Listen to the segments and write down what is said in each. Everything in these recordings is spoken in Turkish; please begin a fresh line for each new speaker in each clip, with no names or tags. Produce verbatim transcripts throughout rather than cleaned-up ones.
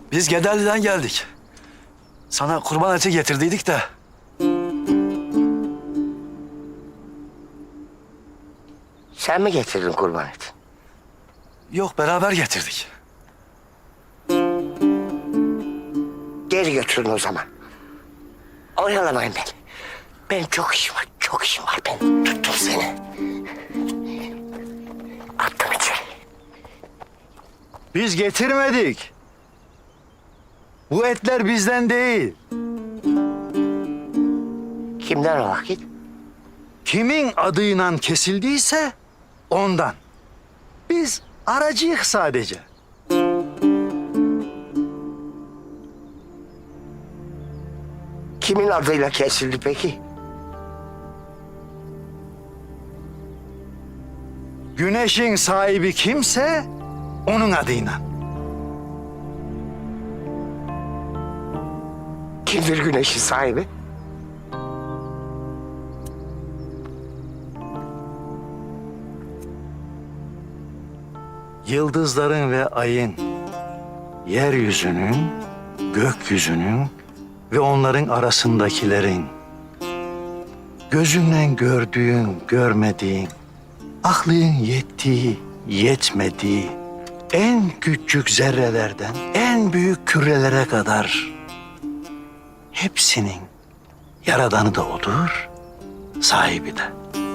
Biz Gederli'den geldik. Sana kurban eti getirdiydik de.
Sen mi getirdin kurban eti?
Yok, beraber getirdik.
Geri götürün o zaman. Oyalamayın beni. Benim çok işim var, çok işim var benim. Tuttum seni. Attım içeri.
Biz getirmedik. Bu etler bizden değil.
Kimden o vakit?
Kimin adıyla kesildiyse ondan. Biz aracıyık sadece.
Kimin adıyla kesildi peki?
Güneşin sahibi kimse onun adıyla.
Kimdir güneşin sahibi?
Yıldızların ve ayın, yeryüzünün, gökyüzünün ve onların arasındakilerin, gözünle gördüğün, görmediğin, aklın yettiği, yetmediği, en küçük zerrelerden en büyük kürelere kadar hepsinin yaradanı da odur, sahibi de.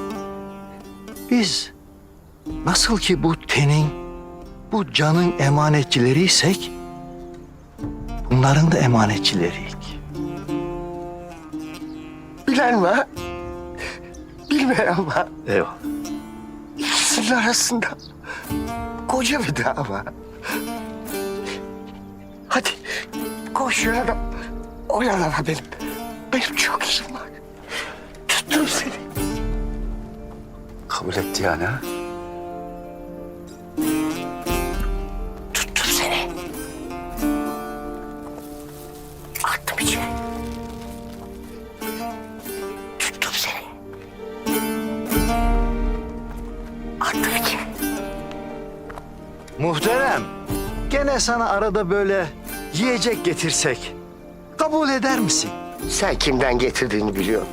Biz nasıl ki bu tenin, bu canın emanetçileriysek, bunların da emanetçileriyik.
Bilen var. Bilmeyen var.
Eyvallah.
İkisinin arasında koca bir dağ var. Hadi koş yana, oyalama benim. Benim çok işim var. Tuttum seni.
Kabul etti yani ha?
Tuttum seni. Attım içeri. Tuttum seni. Attım içeri.
Muhterem, gene sana arada böyle yiyecek getirsek kabul eder misin?
Sen kimden getirdiğini biliyorsun.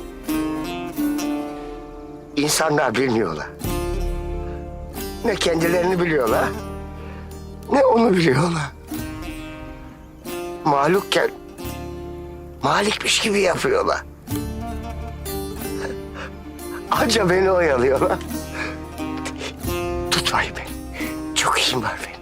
İnsanlar bilmiyorlar. Ne kendilerini biliyorlar, ne onu biliyorlar. Mahlukken malikmiş gibi yapıyorlar. Anca beni oyalıyorlar. Tutmayın beni. Çok işim var benim.